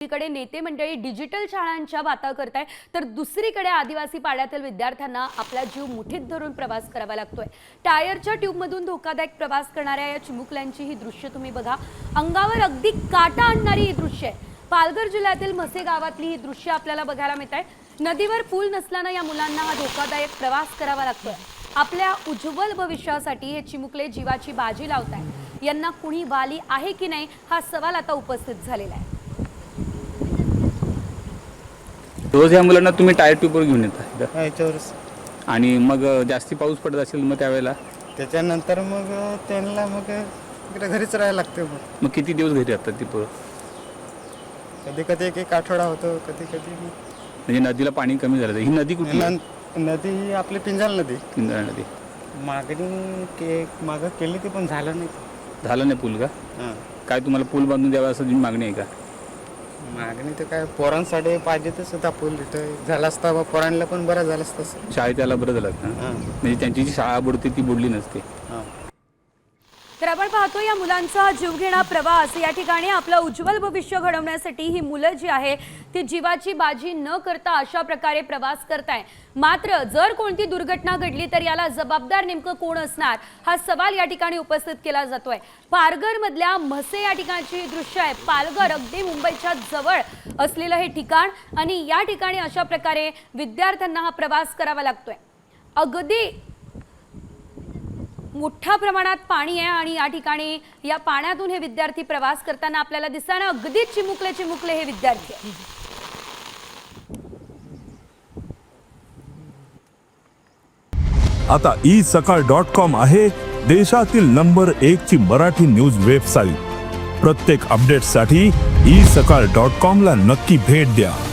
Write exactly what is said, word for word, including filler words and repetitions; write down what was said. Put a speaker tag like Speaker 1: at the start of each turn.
Speaker 1: एकीकडे नेते मंडळी डिजिटल शाळांच्या बाता करताय, तर दुसरीकडे आदिवासी पाड्यातील विद्यार्थ्यांना आपला जीव मुठीत धरून प्रवास करावा लागतोय। टायरच्या ट्यूबमधून धोकादायक प्रवास करणाऱ्या या चिमुकल्यांची ही दृश्य तुम्ही बघा। अंगावर अगदी काटा आणणारी ही दृश्य आहे। पालघर जिल्ह्यातील म्हसे गावातली ही दृश्य आपल्याला बघायला मिळताय। नदीवर पूल नसल्याने या मुलांना हा धोकादायक प्रवास करावा लागतोय। आपल्या उज्ज्वल भविष्यासाठी हे चिमुकले जीवाची बाजी लावताय। यांना कुणी वाली आहे की नाही हा सवाल आता उपस्थित झालेला आहे।
Speaker 2: रोज या मुलांना तुम्ही टायर ट्यूबवर घेऊन येता
Speaker 3: याच्यावरच
Speaker 2: आणि मग जास्ती पाऊस पडत असेल मग त्यावेळेला
Speaker 3: त्याच्यानंतर मग त्यांना मग इकडे घरीच राहायला लागते। मग
Speaker 2: मग किती दिवस घरी राहतात ती पोरं?
Speaker 3: कधी कधी एक एक आठवडा होतो, कधी कधी
Speaker 2: म्हणजे नदीला पाणी कमी झालं ही नदी कुठली?
Speaker 3: नदी ही आपली पिंजाल नदी।
Speaker 2: पिंजाळ नदी
Speaker 3: मागणी के मागं केली ती पण झालं नाही।
Speaker 2: झालं नाही पूल का?
Speaker 3: हां,
Speaker 2: काय तुम्हाला पूल बांधून द्यावा असं मागणी आहे का?
Speaker 3: मागणी तर काय पोरांसाठी पाहिजे तसं होता पूल, इथं झाला असता बा पोरांना पण बरं झालं असतं।
Speaker 2: शाळेत यायला बरं झालं ना,
Speaker 3: हां
Speaker 2: म्हणजे त्यांची जी शाळा बुडते ती बुडली नसते।
Speaker 3: हां,
Speaker 1: तर आपण पाहतो या मुलांचा हा जीवघेणा प्रवास। या ठिकाणी आपलं उज्ज्वल भविष्य घडवण्यासाठी ही मुलं जी आहे ती जीवाची बाजी न करता अशा प्रकारे प्रवास करताय। मात्र जर कोणती दुर्घटना घडली तर याला जबाबदार नेमकं कोण असणार हा सवाल या ठिकाणी उपस्थित केला जातोय। पालघर मधल्या म्हसे या ठिकाणची दृश्य आहे। पालघर अगदी मुंबईच्या जवळ असलेलं हे ठिकाण आणि या ठिकाणी अशा प्रकारे विद्यार्थ्यांना हा प्रवास करावा लागतोय। अगदी मोठ्या प्रमाणात पाणी आहे आणि या ठिकाणी या पाण्यातून हे विद्यार्थी प्रवास करताना आपल्याला दिसताना अगदी चिमुकले चिमुकले हे विद्यार्थी आहेत।
Speaker 4: आता ई सकाळ डॉट कॉम आहे देशातील नंबर एक ची मराठी न्यूज वेबसाईट। प्रत्येक अपडेटसाठी ई सकाळ डॉट कॉम ला नक्की भेट द्या।